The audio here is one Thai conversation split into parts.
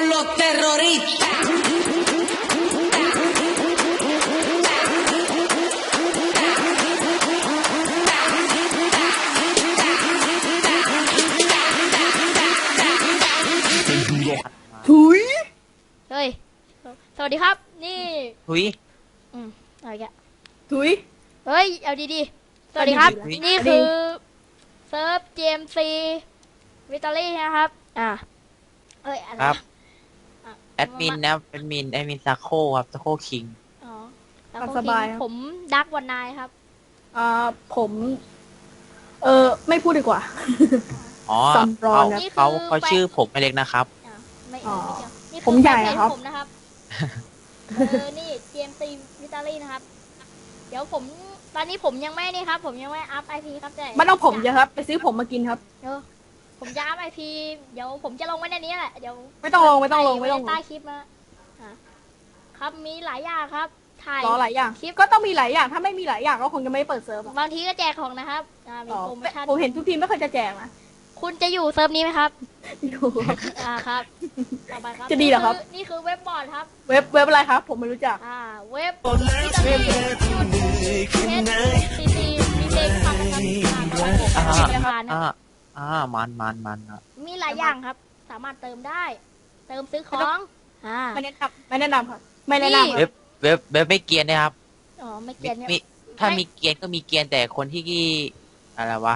los terroristas. ถุยเฮ้ยสวัสดีครับนี่ทุยอะไรแกถุยเฮ้ยเอาดีๆสวัสดีครับนี่คือเซิร์ฟ GMC วิตาลี่นะครับเอ้ยอะไรครับแอดมินนะแอดมินซาโคครับซาโคคิงอ๋อแล้วสบายผมดักวันนายครับผมไม่พูดดีกว่าอ๋อเขาชื่อผมไม่เล็กนะครับไม่นี่ผมใหญ่ครับผมนะครับนี่ GMC วิตาลี่นะครับเดี๋ยวผมตอนนี้ผมยังไม่นี่ครับผมยังไม่อัพ IP ครับแต่ไม่ต้องผมเยอะครับไปซื้อผมมากินครับผมจะอัพ IP เดี๋ยวผมจะลงไว้ในนี้แหละเดี๋ยวไม่ต้องลงใต้คลิปนะครับมีหลายอย่างครับถ่ายหลายอย่างคลิปก็ต้องมีหลายอย่างถ้าไม่มีหลายอย่างก็คงจะไม่เปิดเซิร์ฟบางทีก็แจกของนะครับมีโปรโมชั่นผมเห็นทุกทีไม่เคยจะแจกนะคุณจะอยู่เซิร์ฟนี้ไหมครับอยู่ครับต่อไปครับจะดีเหรอครับนี่คือเว็บบอร์ดครับเว็บอะไรครับผมไม่รู้จักเว็บวิตามินซีซีมีเพลงฟังนะครับมันมีหลายอย่างครับสามารถเติมได้เติมซื้อของไม่แนะนำครับไม่แนะนำเว็บไม่เกียนนะครับไม่เกียนถ้ามีเกียนก็มีเกียนแต่คนที่อะไรวะ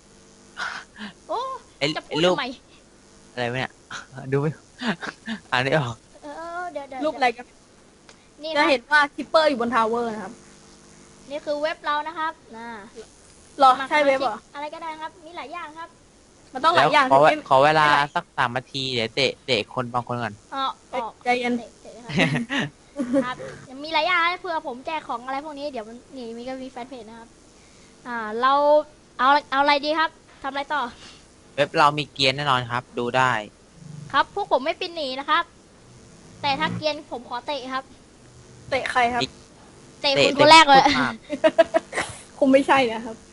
จะพูดทำไมอะไรวะเนี่ยดูไม่อ่านไม่ออกเดี๋ยวรูปอะไรกันนี่จะเห็นว่าคิปเปอร์อยู่บนทาวเวอร์นะครับนี่คือเว็บเรานะครับหรอใช่เว็บเหรออะไรก็ได้ครับมีหลายอย่างครับมันต้องหลายอย่างขอเวลาสัก3 นาทีเดี๋ยวเตะคนบางคนก่อนใจเย็นครับมีหลายอย่างเพื่อผมแจกของอะไรพวกนี้เดี๋ยวนี่มีก็มีแฟนเพจนะครับเราเอาอะไรดีครับทำอะไรต่อเว็บเรามีเกียร์แน่นอนครับดูได้ครับพวกผมไม่ปินหนีนะครับแต่ถ้าเกียร์ผมขอเตะครับเตะใครครับเตะคุณคนแรกเลยคงไม่ใช่นะครับ